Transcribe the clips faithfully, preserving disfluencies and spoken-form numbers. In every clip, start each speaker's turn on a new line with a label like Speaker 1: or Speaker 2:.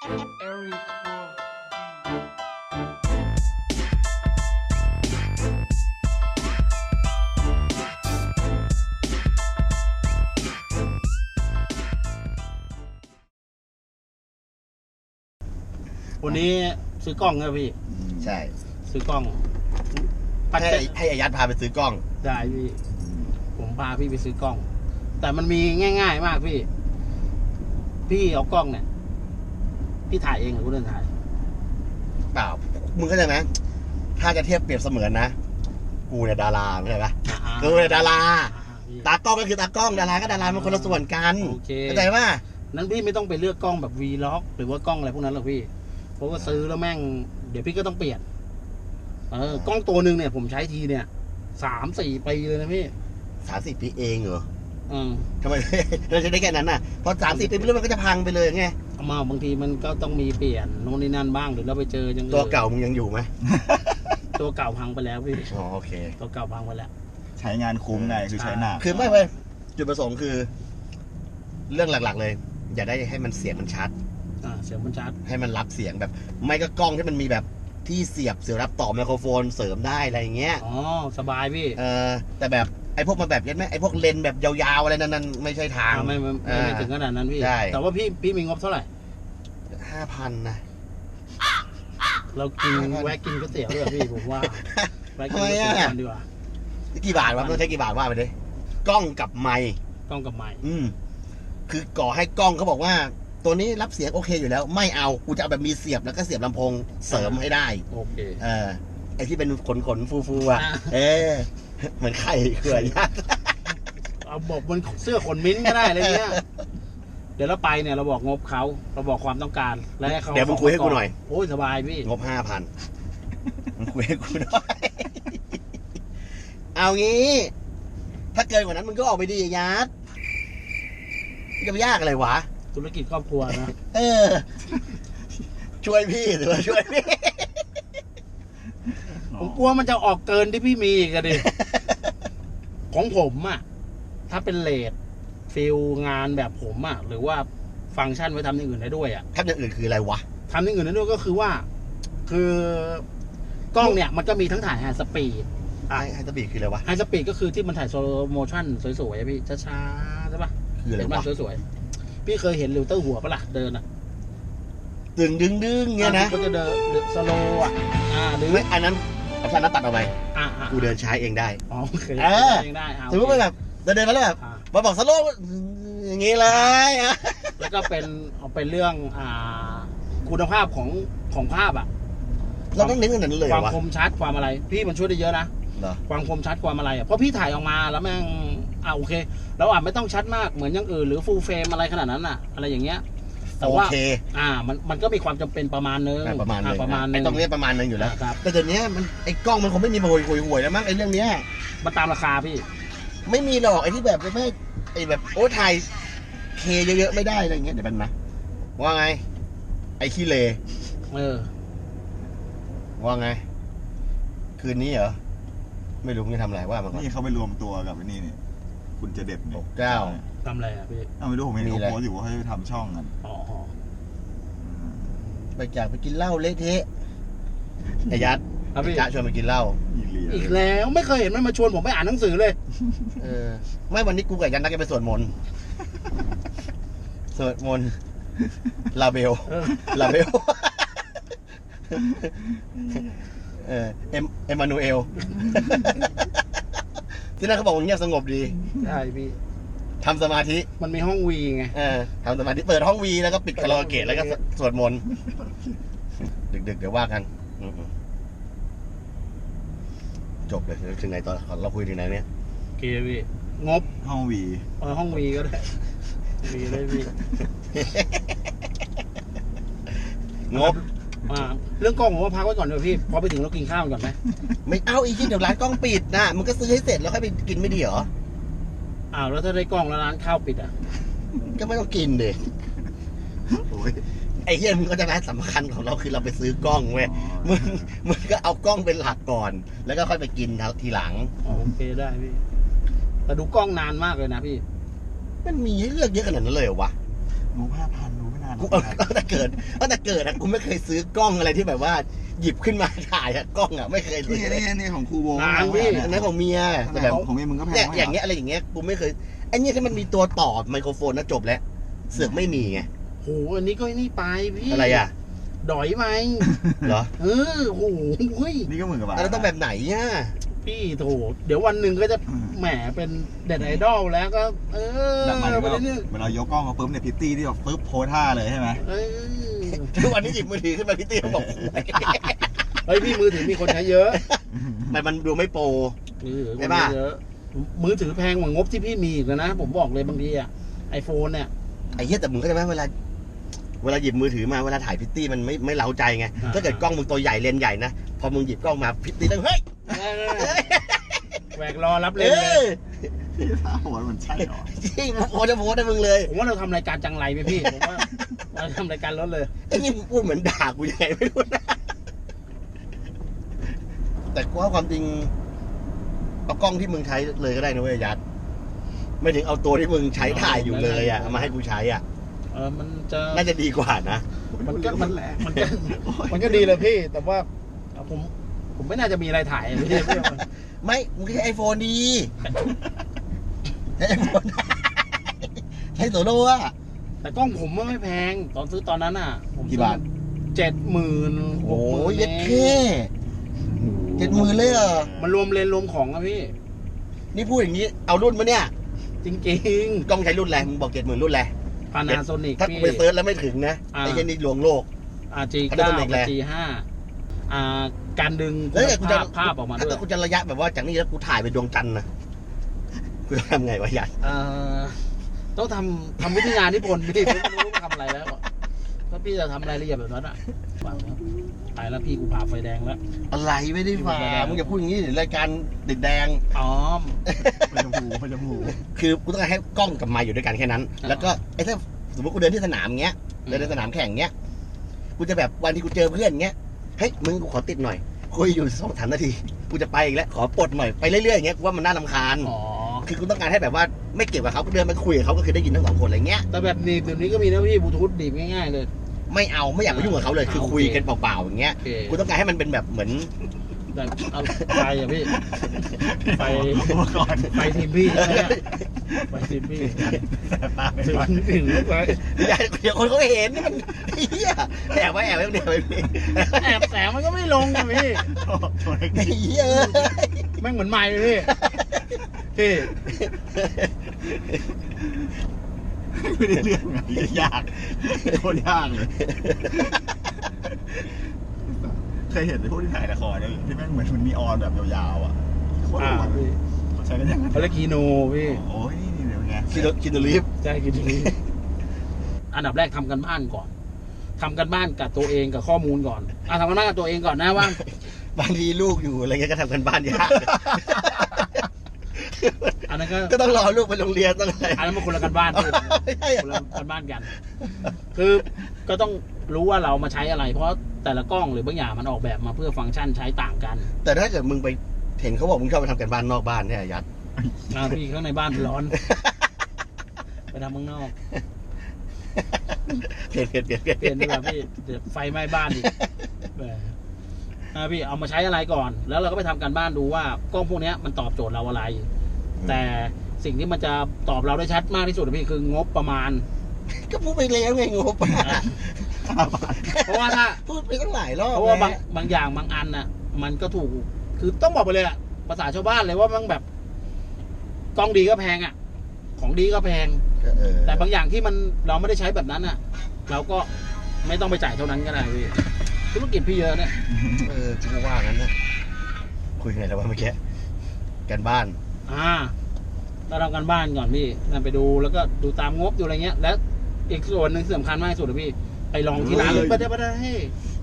Speaker 1: วันนี้ซื้อกล้องนะพี่
Speaker 2: ใช่
Speaker 1: ซื้อกล้อง
Speaker 2: ให้ให้อายัดพาไปซื้อกล้อง
Speaker 1: ได้พี่ผมพาพี่ไปซื้อกล้องแต่มันมีง่ายๆมากพี่พี่เอากล้องเนี่ยพี่ถ่ายเองหรือกูเดินถ่าย
Speaker 2: เปล่ามึงเข้าใจไหมถ้าจะเทียบเปรียบเสมือนนะกูเนี่ยดาราเข้าใจปะกูเนี่ยดาราตากล้องก็คือตากล้องดาราก็ดารามันคนละส่วนกันเข้าใจป่ะ
Speaker 1: นั้นพี่ไม่ต้องไปเลือกกล้องแบบวีล็อกหรือว่ากล้องอะไรพวกนั้นหรอกพี่เพราะว่าซื้อแล้วแม่งเดี๋ยวพี่ก็ต้องเปลี่ยนเออกล้องตัวหนึ่งเนี่ยผมใช้ทีเนี่ยสามสี่ปีเลยนะพี่
Speaker 2: สามสี่ปีเองเหรอ
Speaker 1: อืม
Speaker 2: ทำไมเราจะได้แค่นั้นน่ะพอสามสี่ปีไปเรื่อยมันก็จะพังไปเลยไง
Speaker 1: มาบางทีมันก็ต้องมีเปลี่ยนโน่นนี่นั่นบ้างหรือเราไปเจอยัง
Speaker 2: ตัวเก่ามึงยังอยู่ไหม
Speaker 1: ตัวเก่าพังไปแล้วพี่
Speaker 2: อ๋อโอเค
Speaker 1: ตัวเก่าพังไปแล้ว
Speaker 3: ใช้งานคุ้มไงคือใช้หนัก
Speaker 2: คือไม่เว้ยจุดประสงค์คือเรื่องหลักๆเลยอย่าได้ให้มันเสียงมันชัด
Speaker 1: อ่าเสียงมันชัด
Speaker 2: ให้มันรับเสียงแบบไม่ก็กล้องที่มันมีแบบที่เสียบเสียบรับต่อไมโครโฟนเสริมได้อะไรอย่างเงี้ย
Speaker 1: อ๋อสบายพี่
Speaker 2: เออแต่แบบไอ้พวกมาแบบยันไหมไอ้พวกเลนแบบยาวๆอะไรนั้นๆไม่ใช่ทาง
Speaker 1: ไม่ไม่ไม่ถึงขนาดนั้นพี่แต่ว่าพี่พี่มีงบเท่าไหร่
Speaker 2: ห้าพันนะ
Speaker 1: เรากินแวะกินก๋วยเตี๋ยวด้วยพี่ผมว่าแวะกินก๋วยเตี๋ยวดีกว่า
Speaker 2: กี่บาทวะต้องใช้กี่บาทว่าไปดิกล้องกับไมค์
Speaker 1: กล้องกับไมค์
Speaker 2: อืมคือก่อให้กล้องเขาบอกว่าตัวนี้รับเสียงโอเคอยู่แล้วไม่เอากูจะเอาแบบมีเสียบแล้วก็เสียบลำโพงเสริมให้ได้
Speaker 1: โอเค
Speaker 2: เออไอ้ที่เป็นขนขนฟูฟูอ่ะเออเหมือนไข่เกลือยัด
Speaker 1: เอาบอกบนเสื้อขนมิ้นก็ได้อะไรเงี้ยเดี๋ยวเราไปเนี่ยเราบอกงบเขาเราบอกความต้องการแล้วให้เขา
Speaker 2: เดี๋ยวมึงคุยให้กูหน่อย
Speaker 1: โอ้ยสบายพี่
Speaker 2: งบห้าพันมึงคุยให้กูหน่อยเอางี้ถ้าเกินกว่านั้นมึงก็ออกไปดียัดจะไปยากอะไรวะ
Speaker 1: ธุรกิจครอบครัวนะ
Speaker 2: เออช่วยพี่หรือว่าช่วยพี่
Speaker 1: ผมกลัวมันจะออกเกินที่พี่มีกันดิของผมอ่ะถ้าเป็นเลทฟิลงานแบบผมอ่ะหรือว่าฟังก์ชันไว้ทำอย่างอื่นได้ด้วยอ่ะ
Speaker 2: ทำอย่างอื่นคืออะไรวะ
Speaker 1: ทำอย่างอื่นได้ด้วยก็คือว่าคือกล้องเนี่ยมันก็มีทั้งถ่ายไฮสปีด
Speaker 2: ไฮสปีดคืออะไรวะ
Speaker 1: ไฮสปีดก็คือที่มันถ่ายโซโลโมชั่นสวยๆพี่ช้าๆใช่ปะ
Speaker 2: คืออะไรวะ
Speaker 1: สวยๆพี่เคยเห็นลิวเตอร์หัวปะล่ะเดินอ่ะ
Speaker 2: ดึงดึงดึงเงี้ยนะ
Speaker 1: ก็จะเดินสโลอ่ะอ่าหรือ
Speaker 2: ไม่อันนั้นเอาท่านนั้นตัดเอาไป
Speaker 1: อ่า
Speaker 2: กูเดินใช้เองได้
Speaker 1: อ๋อโอเค
Speaker 2: เออ
Speaker 1: เองได้
Speaker 2: สมมติว่าแบบเดินมาแล้วแบบมาบอกสโลอย่างงี้เลย
Speaker 1: แล้วก็เป็นเอาเป็นเรื่องอ่าคุณภาพของของภาพอ่ะ
Speaker 2: เราต้องเน้นขนาดนั้นเลย
Speaker 1: ความคมชัดความอะไรพี่มันช่วยได้เยอะนะความคมชัดความอะไรอ่ะเพราะพี่ถ่ายออกมาแล้วแม่งอ่าโอเคเราอาจไม่ต้องชัดมากเหมือนอย่างอื่นหรือฟูลเฟรมอะไรขนาดนั้นอ่ะอะไรอย่างเงี้ยแต่ว่าอ่ามันมันก็มีความจำเป็นประมาณนึง
Speaker 2: ประมาณนึง
Speaker 1: ประมาณนึง
Speaker 2: ต้องเรียกประมาณนึงอยู่แล้วแต่เดี๋ยวนี้มันไอ้กล้องมันคงไม่มีห่วยห่วยห่วยแล้วมั้งไอ้เรื่องเนี้ย
Speaker 1: มันตามราคาพี่
Speaker 2: ไม่มีหรอกไอ้ที่แบบไม่ไอ้แบบโอ้ถ่ายเคเยอะๆไม่ได้อะไรเงี้ยเดี๋ยวมันมาว่าไงไอ้ขี้เล
Speaker 1: เออ
Speaker 2: ว่าไงคืนนี้เหรอไม่รู้มึงจะทำอะไรว่ามัน
Speaker 3: นี่เขาไปรวมตัวกับไอ้นี่นี่คุณจะเด็ด
Speaker 2: หกเก้า
Speaker 1: ทำอะไรอ่ะพี่
Speaker 3: เอาไม่รู้ผมเห็นเขาโพสต์อยู่ว่าให้ทำช่องกัน
Speaker 1: อ๋อ
Speaker 2: ไปจากไปกินเหล้าเละเทะไอ้ยัดจะชวนไปกินเหล้า
Speaker 1: อีกแล้วไม่เคยเห็นมันมาชวนผมไปอ่านหนังสือเลย
Speaker 2: เออไม่วันนี้กูกับยันนักจะไปสวดมนต์สวดมนต์ลาเบลลาเบลเออเอ็มเอมานูเอลที่นั่นเขาบอกว่าเงียบสงบดี
Speaker 1: ใช่พี่
Speaker 2: ทำสมาธิ
Speaker 1: มันมีห้องวีไง
Speaker 2: เออทำสมาธิเปิดห้องวีแล้วก็ปิดคาราโอเกะแล้วก็สวดมนต์ดึกๆเดี๋ยวว่ากันจบเลยถึงไหนตอนเราคุยถึงไหนเนี่ย
Speaker 1: โอเคพี่งบ
Speaker 3: ห้องวี
Speaker 1: เออห้องวีก็ได้วีเลยพี่
Speaker 2: งบ
Speaker 1: เรื่องกล้องผมว่าพักไว้ก่อนเดี๋ยวพี่พอไปถึงเรากินข้าวก่อนไหม
Speaker 2: ไม่เอาอีกทีเดี๋ยวร้านกล้องปิดนะมึงก็ซื้อให้เสร็จแล้วค่อยไปกินไม่ดีเหรอ
Speaker 1: อ้าวแล้วถ้าได้กล้องแล้วร้านข้าวปิดอ่ะ
Speaker 2: ก็ไม่ต้องกินเด็กไอ้เฮียมึงก็จะร้านสำคัญของเราคือเราไปซื้อกล้องเว้ยมึงมึงก็เอากล้องเป็นหลักก่อนแล้วก็ค่อยไปกินทีหลัง
Speaker 1: โอเคได้พี่แต่ดูกล้องนานมากเลยนะพี่
Speaker 2: มันมีให้เลือกเยอะขนาดนั้นเลยเหรอวะ
Speaker 3: รู้ห้าพันรู้ไม่นาน
Speaker 2: กูเอาตั้งแต่เกิดตั้งแต่เกิดอะกูไม่เคยซื้อกล้องอะไรที่แบบว่าหยิบขึ้นมาถ่ายอะกล้องอะไม่เคยซื้
Speaker 3: นี่
Speaker 2: อ
Speaker 3: นี่นี่ของครูโบ
Speaker 1: นานพี่
Speaker 2: อันนั้นของเมีย
Speaker 3: แต่
Speaker 2: แต่
Speaker 3: แบ
Speaker 2: แบบ บ
Speaker 3: ของเมียมึงก็แพง
Speaker 2: เนี่ยอย่างเงี้ยอะไรอย่างเงี้ยกูไม่เคยไอ้เนี่ยที่มันมีตัวต่อไมโครโฟนนะจบแล้วเสือกไม่มีไง
Speaker 1: โหอันนี้ก็นี่ไปพี่
Speaker 2: อะไรอ่ะ
Speaker 1: ดอยไหม
Speaker 2: เหรอ
Speaker 1: เออโหเฮ้ย
Speaker 3: นี่ก็หมื่นกว่าบาท
Speaker 2: แล้วต้องแบบไหนอ่ะ
Speaker 1: พี่โถเดี๋ยววันหนึ่งก็จะแหมเป็นเด็ดไอดอลแล้วก็ เออ
Speaker 3: แบบหมายถึง
Speaker 1: ไป
Speaker 3: ว่า
Speaker 1: เรื่อย
Speaker 3: เวลายกกล้องมาปุ๊บเนี่ยพิตตี้ที่แบบปุ๊บโพสท่าเลยใช่ไหม
Speaker 1: ๆเออ
Speaker 2: ทุกวันนี้หยิบมือถือขึ้นมาพี่ตี้บอก
Speaker 1: เฮ้ยพี่มือถือมีคนใช้เยอะ
Speaker 2: มันมันดูไม่โปร
Speaker 1: มือถือค
Speaker 2: ใช่
Speaker 1: น
Speaker 2: ปะ
Speaker 1: ใช้เยอะ มือถือแพงกว่างบที่พี่มีอีกนะ ผมบอกเลยบางทีอะไอโฟนเนี่ย
Speaker 2: ไอ้เหี้ยแต่มึงเข้าใจไหมเวลาเวลาหยิบมือถือมาเวลาถ่ายพิตตี้มันไม่ไม่เล้าใจไง
Speaker 1: อ่า
Speaker 2: ถ้าเกิดกล้องมึงตัวใหญ่เลนส์ใหญ่นะพอมึงหยิบกล้องมาพิตตี้ต้องเฮ้ย
Speaker 1: เออแหวกรอรับเล
Speaker 2: เอย
Speaker 1: เลย
Speaker 2: อ
Speaker 3: ท่าโหดมันใช่หรอ
Speaker 2: จริงโคตรจะโพสให้มึงเลย
Speaker 1: ผมว่าเราทำรายการจังไรไหมพี่ ผมว่าเราทำรายการรถเลย
Speaker 2: ไอ้นี่มึงพูดเหมือนด่ากูยังไงไม่รู้นะแต่กูว่าความจริงเอากล้องที่มึงใช้เลยก็ได้นะเว้ยยัดไม่ถึงเอาตัวที่มึงใช้ถ่ายอยู่เลยอ่ะเอามาให้กูใช้อ่ะ
Speaker 1: เออมันจะ
Speaker 2: น่าจะดีกว่านะ
Speaker 1: มันก็มันมันก็มันก็ดีเลยพี่ แต่ว่าผมผมไม่น่าจะมีอะไรถ่ายพี่พี่
Speaker 2: ไม่มึงใช้ไอโฟนดีใช้ไอโฟนใช้โซโล่อะ
Speaker 1: แต่กล้องผมมันไม่แพง ตอนซื้อตอนนั้นอ่ะ ผม
Speaker 2: กี่บาท
Speaker 1: เจ็ดหมื่น
Speaker 2: โอ้ยเย็ดแค่เจ็ดหมื่นเลยเหรอ
Speaker 1: มันรวมเลนส์รวมของอะพี่
Speaker 2: นี่พูดอย่างนี้เอารุ่นมาเนี่ย
Speaker 1: จริง
Speaker 2: กล้องใช้รุ่นอะไรมึงบอกเจ็ดหมื่นรุ่นอะไร
Speaker 1: ๆพานาโซนิก
Speaker 2: ถ้ากู
Speaker 1: พี่
Speaker 2: ไปเซิร์ชแล้วไม่ถึงนะ
Speaker 1: อ่า
Speaker 2: ไอ้เหี้ยนี่ลวงโลก
Speaker 1: อาจี
Speaker 2: Panasonic
Speaker 1: เก้า
Speaker 2: แหละ
Speaker 1: จีห้าอ่าการดึง
Speaker 2: แล้วเนี่ยกูจะ
Speaker 1: ภาพภาพออกมา
Speaker 2: ถ้า
Speaker 1: ด้ว
Speaker 2: เกิ
Speaker 1: ย
Speaker 2: ดกูจะระยะแบบว่าจากนี้แล้วกูถ่ายไปดวงจันทร์นะกูจะทำไงวะยัน
Speaker 1: เอ่อต้องทำทำวิทยานิพนธ์พี่ผมไม่รู้ทำอะไรแล้วถ้าพี่จะทำรายละเอียดแบบนั้นอ่ะฟังแล้วไปแล้วพี่กูผ่าไฟแดงแล้ว
Speaker 2: อะไรไม่ได้ฝ่ามึงอย่าพูดอย่างนี้เดี๋ยวรายการติดแดง
Speaker 1: อ๋อ
Speaker 3: พจมูพจมู
Speaker 2: คือกูต้องการให้กล้องกับไมค์อยู่ด้วยกันแค่นั้น
Speaker 1: อ่า
Speaker 2: แล้วก็ไอ้ถ้าสมมติกูเดินที่สนามเงี้ย
Speaker 1: อืม
Speaker 2: เดินในสนามแข่งเงี้ย กูจะแบบวันที่กูเจอเพื่อนเงี้ย เฮ้ยมึงกูขอติดหน่อย คุยอยู่สองสามนาที กูจะไปอีกแล้ว ขอปลดหน่อย ไปเรื่อยๆอย่างเงี้ย กูว่ามันน่ารำคาญ
Speaker 1: อ๋อ
Speaker 2: คือกูต้องการให้แบบว่าไม่เกี่ยวกับเขาก็เดินไปคุยกับเขาก็คือได้ยินทั้งสองคนอะไรเงี้ย
Speaker 1: แต่แบบหนีบเดี๋ยวนี้ก็มีนะพี่บลูทูธหนีบง่ายๆเลย
Speaker 2: ไม่เอาไม่อยากไปยุ่งกับเขาเลย คือคุยกันเปล่าๆอย่างเงี้ย
Speaker 1: โอเค
Speaker 2: กูต้องการให้มันเป็นแบบเหมือน
Speaker 1: แต่เอาไฟอะพี่ไฟ
Speaker 3: ก่อน
Speaker 1: ไฟทีมพี่ใช่ไหมไฟทีมพี่
Speaker 3: แต่ตาไป
Speaker 1: ถึง
Speaker 3: ก่อน
Speaker 1: ถึงไฟ
Speaker 2: อย่าเดี๋ยวคนเขาเห็นนี่มันเฮียแอบไว้แอบไว้เดี๋ยวไว้พี่
Speaker 1: แอบแสงมันก็ไม่ลงอะพี่
Speaker 3: โชว์เทคนิ
Speaker 2: ไอ้
Speaker 3: ค
Speaker 2: เฮียเอ้ย
Speaker 1: แม่งเหมือนไม้เลยพี่ พี่
Speaker 3: ไม่ได้เรื่องไงยากโคตรยากเลยเคยเห็นในพวกที่ถ่ายละครเนี่ยที่แม่งเหมือนมันนีออนแบบยาวๆอ่ะโคตร
Speaker 1: อ่า
Speaker 3: หวาน
Speaker 1: พี่
Speaker 3: เขาใช้กันอย่างนั้น
Speaker 1: เขาเรียกคีโนพี่
Speaker 3: โอ้ยนี่เดี๋ยวไง
Speaker 2: คินโนคินโนลีฟ
Speaker 1: ใช่คีโนอันดับแรกทำกันบ้านก่อนทำกันบ้านกับตัวเองกับข้อมูลก่อนอ่ะทำกันบ้านกับตัวเองก่อนนะว่า
Speaker 2: บางทีลูกอยู่อะไรเงี้ยก็ทำกันบ้านยาก
Speaker 1: อันนั้นก็
Speaker 2: ก็ต้องรอลูกไปโรงเรียนต้องอะไร
Speaker 1: อันนั้นมันคนละกันบ้านพี่
Speaker 2: ไม่ใช่
Speaker 1: คนละกันบ้านกัน คือก็ต้องรู้ว่าเรามาใช้อะไร เพราะแต่ละกล้องหรือบางอย่างมันออกแบบมาเพื่อฟังก์ชันใช้ต่างกัน
Speaker 2: แต่ถ้าเกิดมึงไปเห็นเขาบอกมึงชอบไปทำกันบ้านนอกบ้านเนี่ยยัด
Speaker 1: อ่าพี่ข้างในบ้านร้อน ไปทำข้างนอก
Speaker 2: เปลี่ยนเปลี่ยนเปลี่ยนเปลี่ยน
Speaker 1: เปลี่ยนดีกว่าพี่เดี๋ยวไฟไหม้บ้านอีกแหมอ่าพี่เอามาใช้อะไรก่อน แล้วเราก็ไปทำการบ้านดูว่ากล้องพวกเนี้ยมันตอบโจทย์เราอะไร แต่สิ่งที่มันจะตอบเราได้ชัดมากที่สุดอะพี่คืองบประมาณ
Speaker 2: ก็พูดไปแล้วไงงบอะ
Speaker 1: เพราะว่าถ้า
Speaker 2: พูดไปตั้งหลายรอบ
Speaker 1: เพราะว่าบาง
Speaker 2: แล้ว
Speaker 1: บางอย่างบางอันน่ะ มันก็ถูก คือต้องบอกไปเลยอะภาษาชาวบ้านเลยว่ามันแบบกล้องดีก็แพงอะของดีก็แพง
Speaker 2: เออ
Speaker 1: แต่บางอย่างที่มันเราไม่ได้ใช้แบบนั้นอะเราก็ไม่ต้องไปจ่ายเท่านั้นก็ได้พี่ธุรกิจพี่เยอะเนี่ย
Speaker 2: เออกูว่างั้นนะคุยไงแล้วว่าเมื่อกี้กันบ้าน
Speaker 1: อ่าเราทำกันบ้านก่อนพี่นั่นไปดูแล้วก็ดูตามงบดูอะไรเงี้ย แล้วอีกส่วนหนึ่งสำคัญมากที่สุดเลยพี่ ไปลองที่ร้านเลยไปได้ไปได้ให้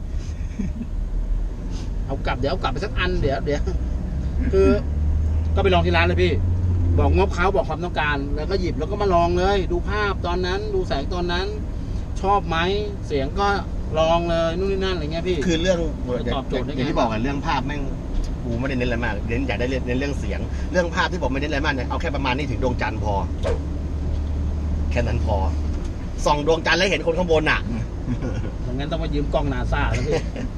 Speaker 1: เอากลับเดี๋ยวเอากลับไปสักอันเดี๋ยวเดี๋ยวคือ ก็ไปลองที่ร้านเลยพี่ บอกงบเขาบอกความต้องการ แล้วก็หยิบแล้วก็มาลองเลย ดูภาพตอนนั้น ดูแสงตอนนั้น ชอบไหมเสียงก็ลองเลยนู่นนี่นั่นอะไรเงี้ยพี่
Speaker 2: คือเรื่อง
Speaker 1: ตอบโจทย์ได้ไง
Speaker 2: อย่างที่บอกกันเรื่องภาพแม่งกูไม่ได้เน้นอะไรมากเน้นอยากได้เน้นเรื่องเสียง เรื่องภาพที่บอกไม่เน้นอะไรมากเนี่ยเอาแค่ประมาณนี้ถึงดวงจันทร์พอ แค่นั้นพอส่องดวงจันทร์แล้วเห็นคนข้างบนอ่ะ
Speaker 1: อย่างนั้นต้องมายืมกล้องนาซาแล้วพี่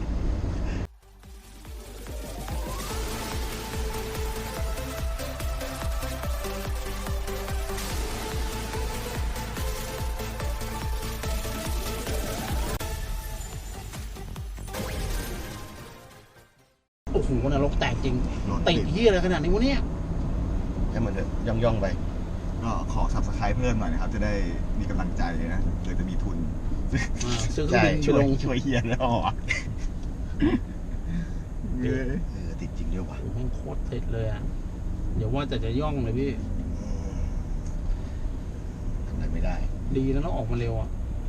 Speaker 1: โอ้โหนรกแตกจริง
Speaker 3: รถ
Speaker 1: ติ
Speaker 3: ติ
Speaker 1: ด
Speaker 3: ด
Speaker 1: เฮียอะไรขนาดนี้วะเนี่ย
Speaker 2: ให้มันเถอะย่องย่องๆไป
Speaker 3: ก็ขอ subscribe เพิ่มหน่อยนะครับ จะได้มีกำลังใจนะเดี๋ยวจะมีทุน
Speaker 1: อ่าซื้อเครื่องบินไป
Speaker 3: ช่วย
Speaker 1: ลง
Speaker 3: ช่วยเฮียแล้วอ่ะเออ
Speaker 2: เออติดจริงด้วยว่ะ
Speaker 1: โอ้โหแม่งโคตรติดเลยอ่ะ เดี๋ยวว่าแต่จะย่องเลยพี่
Speaker 2: อืมทำอะไรไม่ได้
Speaker 1: ดีแล้วต้องออกมาเร็วอ่ะ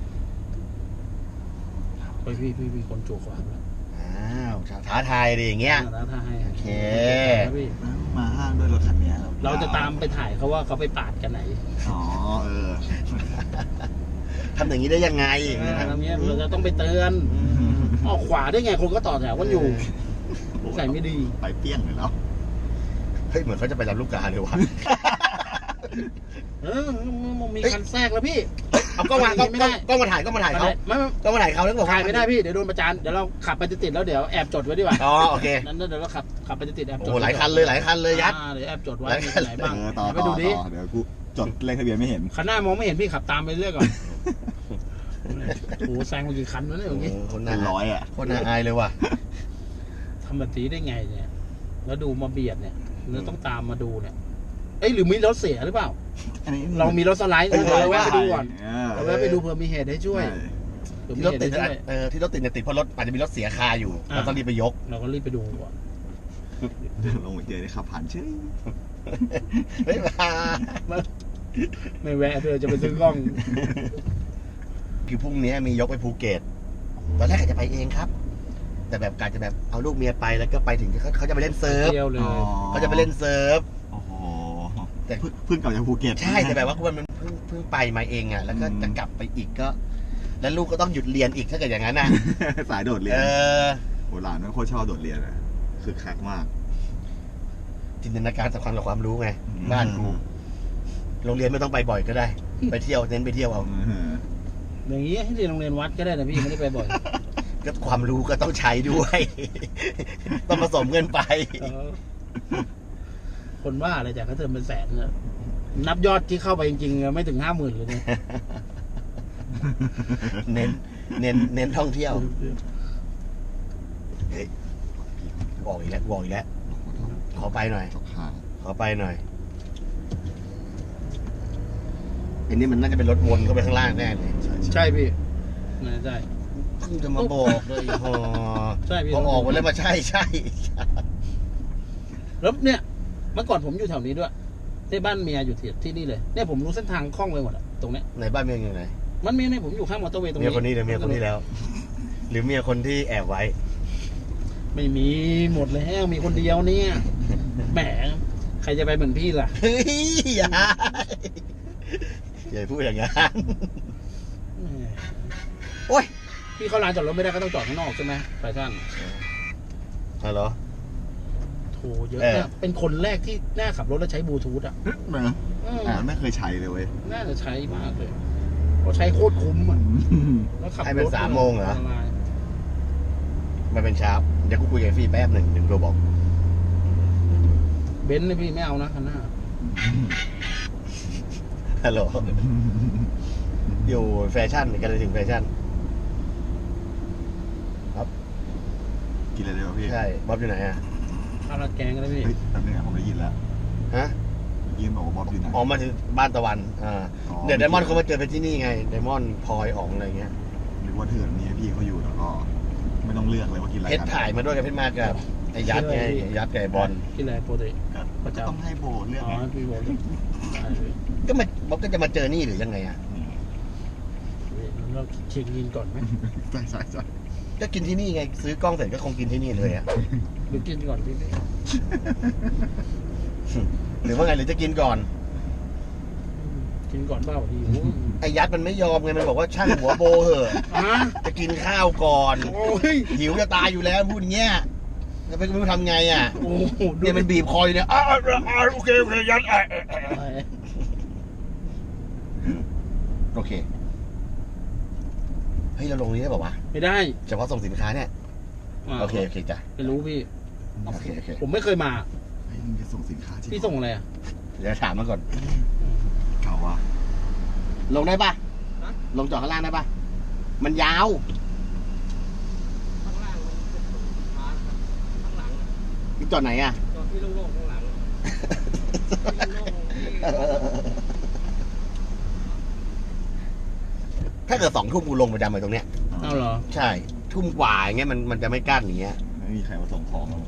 Speaker 1: ไปพี่พี่พี่คนจูขวาแล้ว
Speaker 2: อ้าวท้าทายดิอย่างเงี้ย
Speaker 1: แล้วถ้าให้
Speaker 2: โอเค
Speaker 1: นะพี่
Speaker 3: มาห้างด้วยรถคันเนี้ย
Speaker 1: เราจะตามไปถ่ายเขาว่าเขาไปปาดกันไหน
Speaker 3: อ๋อเออ
Speaker 2: ทำอย่างนี้ได้ยังไง
Speaker 1: อ่าทำเงี้ยเราจะต้องไปเตือน
Speaker 2: อืม
Speaker 1: ออกขวาได้ไงคนก็ต่อแถวกันอยู่ใส่ไม่ดี
Speaker 3: ไปเปี้ยงเลยแล้ว
Speaker 2: เฮ้ยเหมือนเขาจะไปรับลูกกาเลยว่ะ
Speaker 1: เออมันมีคันแทรกแล้วพี่
Speaker 2: เอากล้องมา
Speaker 1: ไม่
Speaker 2: กล้อง
Speaker 1: ไม่ได้
Speaker 2: กล้องมาถ่ายกล้องมาถ่ายเขา
Speaker 1: ไม่ไม่
Speaker 2: กล้องมาถ่ายเขาแล้วบอก
Speaker 1: ถ่ายไม่ได้พี่เดี๋ยวโดนประจานเดี๋ยวเราขับไปติดๆแล้วเดี๋ยวแอบจดไว้ดีกว่า
Speaker 2: อ๋อโอเค
Speaker 1: นั้นเดี๋ยวเราขับขับไปติดๆแอบจด
Speaker 2: โอ้หลายคันเลยหลายคันเลยยัด
Speaker 1: อ่าเดี๋ยวแอบจดไว้
Speaker 2: หลาย
Speaker 1: มี
Speaker 2: คัน
Speaker 1: ไหนบ้าง
Speaker 3: เออต่อ
Speaker 1: ไป
Speaker 3: ต่อ
Speaker 1: ดูดิ
Speaker 3: ต่อเดี๋ยวกูจดเลขทะเบียนไม่เห็น
Speaker 1: คันหน้ามองไม่เห็นพี่ขับตามไปเรื่อยก่อนโอ้แซงมากี่คันวะเนี่ยเมื่อกี้
Speaker 2: เออคน
Speaker 3: เป็
Speaker 2: น่าน
Speaker 3: ร้อยอ่ะ
Speaker 2: คนน่าอายเลยว่ะ
Speaker 1: ทำแบบนี้ได้ไงเนี่ย แล้วดูมาเบียดเนี่ยเราต้องตามมาดูเนี่ยเอ้ยหรือมีรถเสียหรือเปล่า
Speaker 3: อันนี้
Speaker 1: เรามีรถสไลด์นะเราแวะไปดูก่อน
Speaker 3: เออ
Speaker 1: เราแวะไปดูเผื่อมีเหตุให้ช่วย
Speaker 3: ใช่
Speaker 1: เผื่อมี
Speaker 2: ที่รถ
Speaker 1: เหตุ
Speaker 2: ติด
Speaker 1: ให้ช่วย
Speaker 2: เออที่รถติดเนี่ยติดเพราะรถอาจจะมีรถเสียคาอยู่
Speaker 1: อ่า
Speaker 2: เราต้องรีบไปยก
Speaker 1: เราก็รีบไปดูก่อน
Speaker 3: ลงไปเจอได้ขับผ่านเฉย
Speaker 2: เฮ้ยมา
Speaker 1: ไม่แวะเพื่อจะไปซื้อกล้อง
Speaker 2: คือพรุ่งนี้มียกไปภูเก็ตตอนแรกอาจจะไปเองครับ แต่แบบการจะแบบเอาลูกเมียไปแล้วก็ไปถึงเขาเขาจะไปเล่นเซิร์ฟ
Speaker 1: เที่ยวเลย
Speaker 3: อ๋อ
Speaker 2: เขาจะไปเล่นเซิร์ฟ
Speaker 3: โอ้โห
Speaker 2: แต่
Speaker 3: เพิ่งเพิ่งกลับจากภูเก็ต
Speaker 2: ใช่แต่แบบว่ามันเพิ่งเพิ่งไปมาเองอ่ะแล้วก็
Speaker 3: อืม
Speaker 2: จะกลับไปอีกก็ แล้วลูกก็ต้องหยุดเรียนอีกถ้าเกิดอย่างนั้นนะ
Speaker 3: สายโดดเรียน
Speaker 2: เออ
Speaker 3: โหหลานมันโคตรชอบโดดเรียนอะคือคักมาก
Speaker 2: จินตนาการสำคัญกับความรู้ไง
Speaker 3: อืม
Speaker 2: บ้านกูโรงเรียนไม่ต้องไปบ่อยก็ได้ ไปเที่ยวเน้นไปเที่ยวเอา
Speaker 3: เออ
Speaker 1: อย่างนี้ให้เรียนโรงเรียนวัดก็ได้นะพี่ไม่ได้ไปบ่อย
Speaker 2: ก็ความรู้ก็ต้องใช้ด้วย ต้องผสมเงินไป
Speaker 1: เออคนว่าอะไรจากเขาเทอมเป็นแสนเนี่ยนับยอดที่เข้าไปจริงๆไม่ถึงห้าหมื่นเลยเนี่ย
Speaker 2: เน้น เน้น เน้นท่องเที่ยว เฮ้ยบอกอีกแล้วบอกอีกแล้ว ขอไปหน่อย
Speaker 3: ตกข่าว
Speaker 2: ขอไปหน่อยอันนี้มันน่าจะเป็นรถวนเข้าไปข้างล่างแน่เลย
Speaker 3: ใช่
Speaker 1: ใช่พี่น่าใช่
Speaker 2: เพิ่งจะมาบอกเลยพอ
Speaker 1: ใช่พี่
Speaker 2: พอออกมาแล้วมาใช่ใช่
Speaker 1: แล้วเนี่ย เมื่อก่อนผมอยู่แถวนี้ด้วยที่บ้านเมียอยู่ที่ที่นี่เลยเนี่ยผมรู้เส้นทางคล่องไปหมดอะตรงเนี้ย
Speaker 2: ไหนบ้านเมียอยู่ไหน
Speaker 1: มันมีเนี่ยผมอยู่ข้างมอเตอร์เวย์ตรง
Speaker 2: เมีย
Speaker 1: นี้
Speaker 2: คนนี้หรือเมียคนนี้แล้ว หรือเมียคนที่แอบไว้
Speaker 1: ไม่มีหมดแล้วมีคนเดียวเนี่ยแหมใครจะไปเหมือนพี่ล่ะ
Speaker 2: เฮ้ยอย่าอย่าพูดอย่างนั้น
Speaker 1: แหม
Speaker 2: โอ้ย
Speaker 1: พี่เข้าร้านจอดรถไม่ได้ก็ต้องจอดข้างนอกใช่ไหมแฟชั่น
Speaker 2: ฮัลโหล
Speaker 1: โถเยอะ
Speaker 2: เออ
Speaker 1: เนี่ยเป็นคนแรกที่น่าขับรถแล้วใช้บลูทูธอ่ะ
Speaker 3: เหมือน
Speaker 1: อืม
Speaker 3: อ่าไม่เคยใช้เลยเว้ย
Speaker 1: น่าจะใช้มากเลยเพราะใช้โคตรคุ้มอ่ะแล้วขับรถ
Speaker 2: ให้เป็นสามโมงเหรอ
Speaker 1: ะไ
Speaker 2: มาเป็นเช้าเดี๋ยวกูคุยกับฟี่แป๊บหนึ่งหนึ่งตัวบอก
Speaker 1: เบนซ์เลยพี่ไม่เอานะคันหน้า
Speaker 2: ฮัลโหล อยู่แฟชั่นกันเลยถึงแฟชั่น
Speaker 3: กินอะไรได้วะพี่
Speaker 2: ใช่ บ๊อบอยู่ไหนอ่ะ
Speaker 1: ข้าวราดแกงกันเลยพี่
Speaker 3: เฮ้ยแป๊บนึงอะผมได้ยินแล้ว
Speaker 2: ฮะ
Speaker 3: ยินบอกว่าบ๊อบอยู่ไหน
Speaker 2: ออกมาถึงบ้านตะวัน อ่า
Speaker 3: อ๋อ
Speaker 2: เดี๋ยวไดมอนด์เขามาเจอไปที่นี่ไง ไดมอนด์พลอยอ๋องอะไรเงี้ย
Speaker 3: หรือว่าเถื่อนนี่พี่เขาอยู่แล้วก็ ไม่ต้องเลือกเลยว่ากินอะไร
Speaker 2: เพชรถ่ายมาด้วยกับเพชรมากับไอ้ยัดไงไอ้ยัดกับไอ้บอล
Speaker 1: กินอะไรโปรตีน
Speaker 3: ก็
Speaker 1: ประจำ
Speaker 3: ต้องให้โบเลือก
Speaker 1: อ๋อ
Speaker 3: ไง
Speaker 1: พี่บอกได้เลย
Speaker 2: ก็มาบ๊อบก็จะมาเจอนี่หรือยังไงอ่ะ
Speaker 1: เราเช็คกินก่อนไหม
Speaker 3: ใช่ใช่ใช่
Speaker 2: ก็กินที่นี่ไง ซื้อกล้องเสร็จก็คงกินที่นี่เลยอ่ะ
Speaker 1: หรือกินก่อนพี่พี่
Speaker 2: หรือว่าไงหรือจะกินก่อน
Speaker 1: กินก่อนเปล่าพี่โอ้
Speaker 2: ไอ้ยัดมันไม่ยอมไง มันบอกว่าช่างหัวโบเหอะ
Speaker 1: อ่ะ
Speaker 2: จะกินข้าวก่อน
Speaker 1: โอ้ย
Speaker 2: หิวจะตายอยู่แล้วพูดอย่างเงี้ยแล้วไม่รู้ทำไงอ่ะ
Speaker 1: โอ้โหดู
Speaker 2: เนี่ยมันบีบคออยู่เนี่ยอ้าวอ้าวโอเคโอเคยัดอ่ะอ่ะอ่ะโอเคเฮ้ยเราลงนี้ได้ป่าวะ
Speaker 1: ไม่ได้
Speaker 2: เฉพาะส่งสินค้าเนี่ย
Speaker 1: า
Speaker 2: โอเคโอเคจ้ะ
Speaker 1: ไม่รู้พี่
Speaker 2: โอเคโอเค
Speaker 1: ผมไม่เคยมา
Speaker 3: เฮ้ยมึงจะส่งสินค้าที่
Speaker 1: พี่ส่งอะไรอ่ะ
Speaker 2: เดี๋ยวถามมาก่อน
Speaker 3: เก่าว่ะ
Speaker 2: ลงได้ปะ
Speaker 1: ฮะ
Speaker 2: ลงจอดข้างล่างได้ปะมันยาว
Speaker 1: ข้างล่างมันเป็นสินค้านะครับข้างหลัง
Speaker 2: มึงจอดไหนอ่ะ
Speaker 1: จอดที่โล่งๆข้างหลังที่โล่งๆที่
Speaker 2: ถ้าเกิดสองทุ่มกูลงประจำเลยตรงเนี้ย
Speaker 1: เอาเหรอ
Speaker 2: ใช่ ทุ่มกว่าอย่างเงี้ยมันมันจะไม่กั้นอย่างเงี้ย
Speaker 3: ไม่มีใครมาส่งของหรอก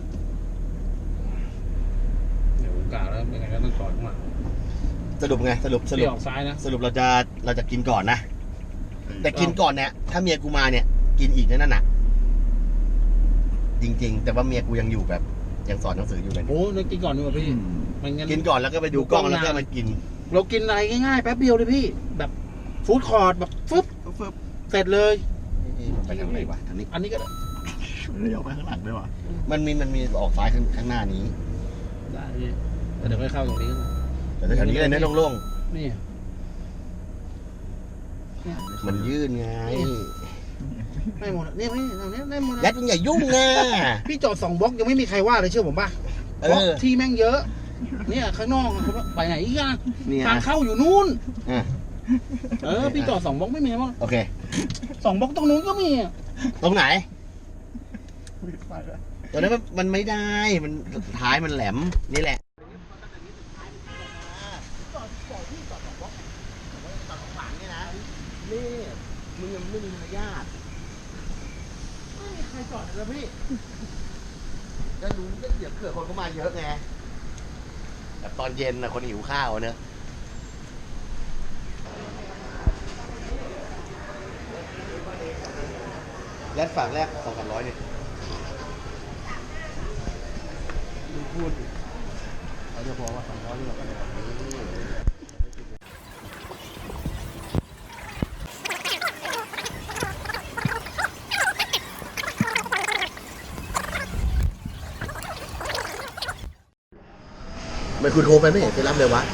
Speaker 1: เดี๋ยวผมกล่าวแล้วยังไงก็ต้องจอดข้างหลัง
Speaker 2: สรุปไงสรุปสรุ
Speaker 1: พี่
Speaker 2: ป
Speaker 1: ออกซ้ายนะ
Speaker 2: สรุปเราจะเราจะกินก่อนนะ แต่กินก่อนเนี่ย ถ้าเมียกูมาเนี่ย กินอีกนั่นน่ะ จริง ๆ แต่ว่าเมียกูยังอยู่แบบ ยังสอนหนังสืออยู่เลย
Speaker 1: โอ้นึกกินก่อนดีกว่าพี่
Speaker 3: อืม
Speaker 1: มันงั้น
Speaker 2: กินก่อนแล้วก็ไปดูกล้องแล้วก็มากิน
Speaker 1: เรากินอะไรง่ายๆแป๊บเดียวเลยพี่ แบบฟู้ดคอร์ทแบบฟึบ
Speaker 3: ฟึบ
Speaker 1: เสร็จเลย
Speaker 2: ไปทางไหนวะทางนี้
Speaker 1: อันนี้ก็ได้
Speaker 3: เลี้ยวไปข้างหลังด้วยวะ
Speaker 2: มันมีมันมีออกซ้ายข้างข้างหน้านี้
Speaker 1: ได้พี่แต่เดี๋ยวค่อยเข้าตรงนี้ก็ได้
Speaker 2: แต่แถวนี้เลยนะโล่ง
Speaker 1: นี่
Speaker 2: ๆมันยื่นไง
Speaker 1: ได้หมดอะเนี่ยพี่ตรงนี้ได้หมด
Speaker 2: ยั
Speaker 1: อะ
Speaker 2: ดมึงอย่ายุ่งนะ
Speaker 1: พี่จอดสองบล็อกยังไม่มีใครว่าเลยเชื่อผมป่ะ
Speaker 2: เอบ
Speaker 1: ล็อก
Speaker 2: อ
Speaker 1: ที่แม่งเยอะ เนี่ยข้างนอกเขาว่าไปไหนอีกอะ
Speaker 2: เนี่ย
Speaker 1: ทางเข้าอยู่นู่น
Speaker 2: อ่ะ
Speaker 1: เออพี่จอดสองบล็อกไม่มีมั้ง
Speaker 2: โอเค
Speaker 1: สองบล็อกตรงนู้นก็มีอะ
Speaker 2: ตรงไหน
Speaker 3: ไปแล้ว
Speaker 2: ตรงนั้นมันมันไม่ได้ มันท้ายมันแหลม นี่แหละ นี่มึงยังไม่มีมารยาท
Speaker 1: ไม่มีใครจอดเลยนะพี่
Speaker 2: จะรู้ก็เดี๋ยวเผื่อคนเข้ามาเยอะไงแบบตอนเย็นนะคนหิวข้าวเนอะแลดฝากแรกสองสามร้อยเนี่ยพูดเขาจะบอกว่าสองร้อยนี่เราไม่คุณโทรไปไม่เห็นไปรับเลยวะ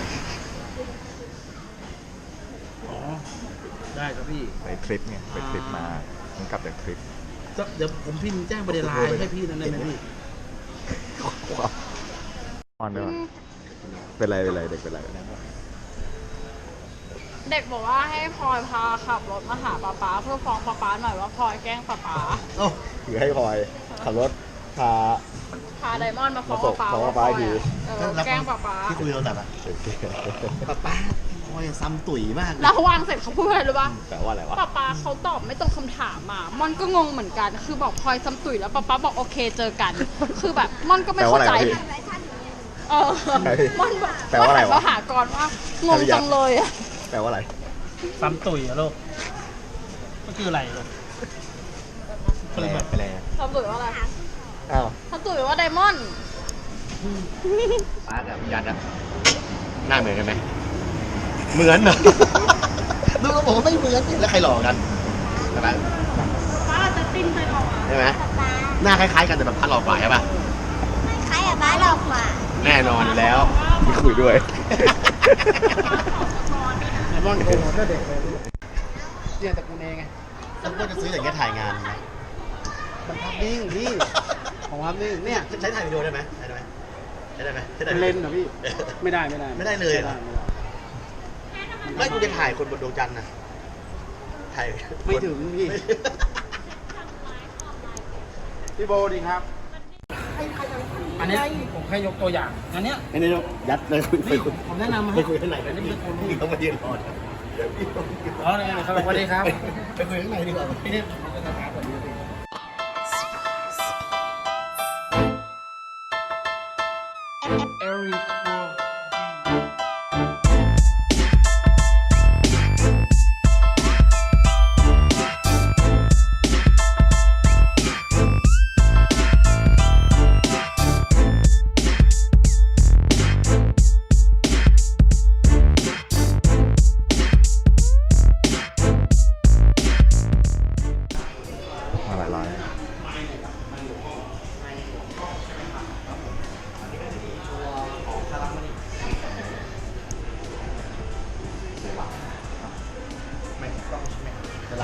Speaker 1: อ๋อ ได้ครับพี่
Speaker 3: ไปทริปไงไปทริปมามันกลับจากทริป
Speaker 1: ก็เดี๋ยวผมพิมพ์แจ้งประเด็นไลน์ให้พี่นั่นได้ไหมพี่
Speaker 3: ออนด้วยวะเป็นไรเป็นไรเด็กเป็นไร
Speaker 4: เด็กบอกว่าให้พลอยพาขับรถมาหาป๊าป๊าเพื่อฟ้องป๊าป๊าหน่อยว่าพลอยแกล้งป๊าป๊า
Speaker 2: เอ้า
Speaker 3: คือให้พลอยขับรถพา
Speaker 4: พาไดมอนด์มาฟ้อง
Speaker 3: มาส่ง
Speaker 4: ป๊าป๊า
Speaker 3: ฟ้อง
Speaker 4: ว่า
Speaker 3: ป๊า
Speaker 4: พลอย
Speaker 3: ดี
Speaker 4: อะเออแกล้งป๊าป๊า
Speaker 2: ที่คุยโทรศัพท์อะ
Speaker 3: เด็ก
Speaker 2: ป้าป้าพอยซ้ำตุ๋ยมากเลย
Speaker 4: แล้ววางเสร็จเขาพูดอะไรรู้ป่ะ
Speaker 3: แปลว่าอะไรวะ
Speaker 4: ป๊าป๊าเขาตอบไม่ตรงคำถามอ่ะมอนก็งงเหมือนกัน คือบอกพลอยซ้ำตุ๋ยแล้วป๊าป๊าบอกโอเคเจอกัน คือแบบมอนก็ไม่เข้าใจ
Speaker 3: แปลว่าอะไรวะพี่
Speaker 4: เออมอนบอก
Speaker 3: แปลว่าอะไรวะ
Speaker 4: มหากรว่างงจังเลยอะ
Speaker 3: แปลว่าอะไร
Speaker 1: ซ้ำตุ๋ยอะลูกก็คืออะไรลูก
Speaker 3: แปลแปล
Speaker 4: ซ้ำตุ๋ยว่าอะไร
Speaker 3: อ้าว
Speaker 4: ซ้ำตุ๋ยว่าไดมอนด์
Speaker 2: ป้ากับยัดอะหน้าเหมือนกันไหมเหมือนเหรอ ดูแล้วบอกว่าไม่เหมือนนี่แล้วใครหลอกกันใช่ไหม
Speaker 4: ป๊าจะติ้นไปหรอ
Speaker 2: ใช่ไหมหน้าคล้ายๆกันแต่แบบพัดหลอกกว่าใช่ป่ะ
Speaker 5: คล้ายกับบ้านเรากว่า
Speaker 2: แน่นอนอยู่แล้ว
Speaker 3: ที่คุยด้วย
Speaker 1: ไดมอนด์โกงก็เด็กเลยเนี่ยแต่กูเองไง
Speaker 2: แล้วก็จะซื้ออย่างเงี้ยถ่ายงานไง
Speaker 1: มันภาพนิ่งพี่ของภาพนิ่งเนี่ย
Speaker 2: ใช้ถ่ายวิดีโอได้ไหมใช้ได้ไหมใช้ได้ไหมใช้ได้
Speaker 1: เป็น
Speaker 2: ไหม
Speaker 1: เลนส์เหรอพี่ ไม่ได้ไม่ได้
Speaker 2: ไม่ได้เลยเหรอ
Speaker 1: ไม่ได้
Speaker 2: ไม่กูจะถ่ายคนบนดวงจันทร์นะถ่าย
Speaker 1: ไม่ถึงพี่ พี่โบดีครับ อันเนี้ยผมแค่ยกตัวอย่าง อันเนี้ย
Speaker 2: ไอ้นี่ยัดเลยคุยไปคุย
Speaker 1: ผมแนะนำ
Speaker 2: ไป
Speaker 1: ให้
Speaker 2: คุยข้างในกัน
Speaker 1: อัน
Speaker 2: นี่
Speaker 1: นี้เป็นคน
Speaker 2: พี่
Speaker 1: ที่
Speaker 2: เขามายืนรอนะ
Speaker 1: อ๋อเนี่ยครับสวัสดีครับ
Speaker 2: ไปคุยข้างในดีกว่า
Speaker 1: พี่เนี่ยผมจะถามแบบนี้พี่เอริก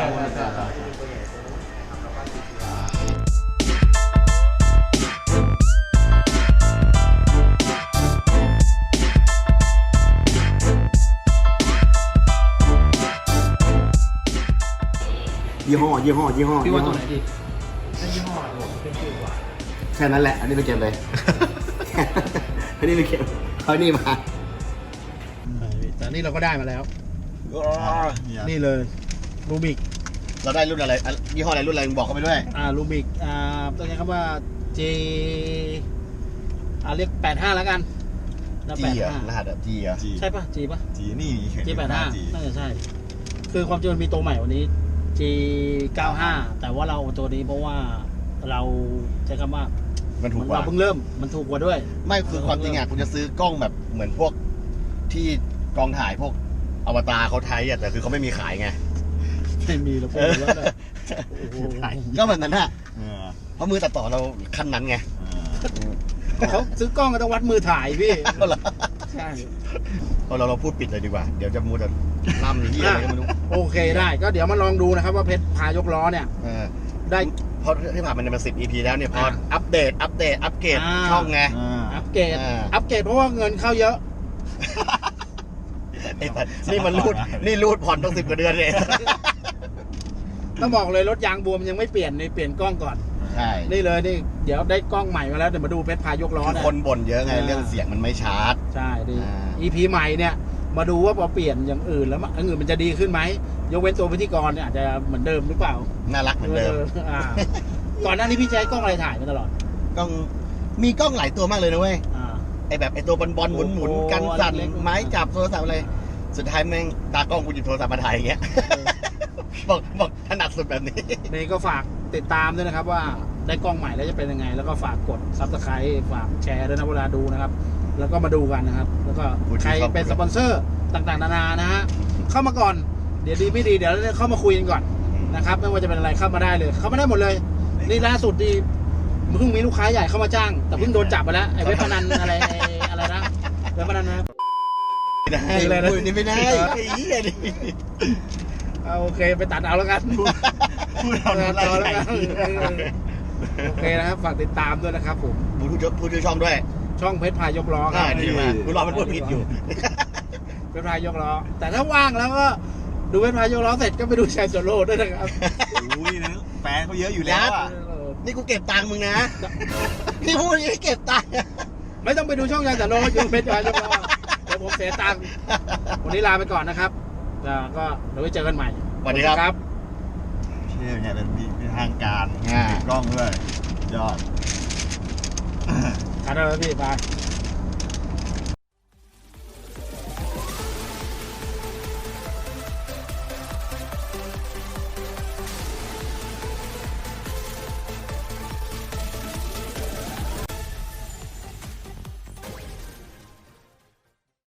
Speaker 1: ใช่ใช่
Speaker 2: ยี่ห้อยี่ห้อยี่ห้อ
Speaker 1: พี่
Speaker 2: ยี่
Speaker 1: ว่า
Speaker 2: ห้
Speaker 1: ตั
Speaker 2: อ
Speaker 1: วไหนดียี่ห้อเป็นชื่อกว่า
Speaker 2: แค่นั้นแหละ อันนี้ไปเก็บเลย อันนี้ไปเก็บเอานี่มา
Speaker 1: แต่นี่เราก็ได้มาแล้ว
Speaker 3: เนี่ย
Speaker 1: นี่เลยรูบิก
Speaker 2: เราได้รุ่นอะไรอ่ะยี่ห้ออะไรรุ่นอะไรมึงบอกเขาไปด้วย
Speaker 1: อ่ารูบิกอ่าต้องใช้คำว่า J อ่าเรียกแปดห้าแล้วกันนะ
Speaker 2: จี
Speaker 1: แปด
Speaker 2: อ่ะ
Speaker 1: ห้าร
Speaker 2: หัสอ่ะจีอ่ะ
Speaker 3: จี
Speaker 1: ใช่ปะ G ปะ
Speaker 3: จีนี่เขียน
Speaker 1: G แปดห้า
Speaker 3: จี
Speaker 1: น่าจะใช่ คือความจริงมันมีตัวใหม่วันนี้ G เก้าห้าแต่ว่าเราเอาตัวนี้เพราะว่าเราใช้คำว่า
Speaker 2: มันถูกก
Speaker 1: เรา
Speaker 2: ว่า
Speaker 1: เพิ่งเริ่มมันถูกกว่าด้วย
Speaker 2: ไม่คือความจริงอ่ะคุณจะซื้อกล้องแบบเหมือนพวกที่กองถ่ายพวกอวตารเขาใช้อ่ะแต่คือเขาไม่มีขายไง
Speaker 1: ไม่มีแล้วพูดแล้วเลยโอ้โห
Speaker 2: ก็แบบนั้นอ่ะ
Speaker 3: เออ
Speaker 2: เพราะมือตัดต่อเราขั้นนั้นไง
Speaker 3: เออ
Speaker 1: เขาซื้อกล้องก็ต้องวัดมือถ่ายพี่
Speaker 2: เอาเหรอ
Speaker 1: ใช่
Speaker 2: เอาเราเราพูดปิดเลยดีกว่า เดี๋ยวจะมูจะล่ำที่อะไรก็ไม่รู้
Speaker 1: โอเคได้ก็เดี๋ยวมาลองดูนะครับว่าเพชรพายกล้อเนี่ย
Speaker 2: เออ
Speaker 1: ได้
Speaker 2: เพราะที่ผ่านมันเป็นสิบ อี พี แล้วเนี่ยพอ
Speaker 1: อ่า
Speaker 2: อัปเดต อัปเดต อัปเกรด
Speaker 1: อ่า
Speaker 2: ช่องไง
Speaker 3: อ่า
Speaker 1: อัปเกรด
Speaker 2: อ่า
Speaker 1: อัปเกรดเพราะว่าเงินเข้าเยอะ
Speaker 2: ไอ้สัสนี่มันรูด นี่รูดผ่อนต้องสิบกว่าเดือนเลย
Speaker 1: ต้องบอกเลยรถยางบวมยังไม่เปลี่ยนนี่เปลี่ยนกล้องก่อน
Speaker 2: ใช่
Speaker 1: นี่เลยนี่เดี๋ยวได้กล้องใหม่มาแล้วเดี๋ยวมาดูเพชรพายกล้อ
Speaker 2: คือ
Speaker 1: เนี่ย
Speaker 2: คนบ่นเยอะไง
Speaker 1: อ่า
Speaker 2: เรื่องเสียงมันไม่ชาร์จ
Speaker 1: ใช่ดี
Speaker 2: อ่า
Speaker 1: อี พี ใหม่เนี่ย มาดูว่าพอเปลี่ยนอย่างอื่นแล้วมันอย่างอื่นมันจะดีขึ้นไหมยกเว้นตัวพิธีกรเนี่ยอาจจะเหมือนเดิมหรือเปล่า
Speaker 2: น่ารักเหมือนเดิม
Speaker 1: อ่าก่อนหน้านี้พี่ใช้กล้องอะไรถ่ายมาตลอด
Speaker 2: กล้องมีกล้องหลายตัวมากเลยนะเว้ย
Speaker 1: อ่า
Speaker 2: ไอแบบไอตัวบอลบอลหมุนหมุน
Speaker 1: โอ้โห
Speaker 2: กันสั่น
Speaker 1: เล็กๆ
Speaker 2: ไม้จับโทรศัพท์อะไร สุดท้ายแม่งตากล้องกูหยิบโทรศัพท์มาถ่ายอย่างเงี้ย บอกบอกถนัดสุดแบบนี้
Speaker 1: นี่ก็ฝากติดตามด้วยนะครับว่าได้กล้องใหม่แล้วจะเป็นยังไง แล้วก็ฝากกดซับสไครต์ฝากแชร์ด้วยนะเวลาดูนะครับ แล้วก็มาดูกันนะครับ แล้วก็ใครเป็นสปอนเซอร์ต่างๆนานานะฮะเข้ามาก่อนเดี๋ยวดีไม่ดีเดี๋ยวเข้ามาคุยกันก่อนนะครับไม่ว่าจะเป็นอะไรเข้ามาได้เลย เข้ามาได้หมดเลย นี่ล่าสุดดีเพิ่งมีลูกค้าใหญ่เข้ามาจ้าง แต่เพิ่งโดนจับไปแล้วไอ้เว็บพนันอะไรอะไรนะเว็บพนันนะ
Speaker 2: ไม่ได้
Speaker 1: นี่เลยนะ
Speaker 2: พูดนี่ไม่ได้ไอ้เหี้ยนี่
Speaker 1: เอาโอเคไปตัดเอาแล้วกัน
Speaker 3: พูดเอา
Speaker 1: ตัด
Speaker 3: อะไร
Speaker 1: เอาแล้ว
Speaker 3: ใหญ่
Speaker 1: กันโอเคนะครับฝากติดตามด้วยนะครับผม
Speaker 2: พูดชื่อพูดชื่อช่องด้วย
Speaker 1: ช่องเพชรพายกล้อค
Speaker 2: อ่า
Speaker 1: รับ
Speaker 2: ดีมากกูรอมันพูดผิดอยู่
Speaker 1: เพชรพายกล้อแต่ถ้าว่างแล้วก็ดูเพชรพายกล้อเสร็จก็ไปดูแชร์โซโล่ด้วยนะครับ
Speaker 3: อุ้ยนะแฟนเขาเยอะอยู่แล้วอ่ะ
Speaker 2: นี่กูเก็บตังค์มึงนะ พี่พูดอย่างนี้เก็บตังค์
Speaker 1: ไม่ต้องไปดูช่องแชร์โซโล่ดูเพชรพายกล้อเดี๋ยวผมเสียตังค์วันนี้ลาไปก่อนนะครับแล้วก็เดี๋ยวไว้เจอกันใหม่
Speaker 2: สวัสดีครับ
Speaker 3: เชื่อไงเป็นเป็นทางการ
Speaker 2: อ่า
Speaker 3: ติดกล้องด้วยยอด
Speaker 1: ขอบคุณครับพี่บาย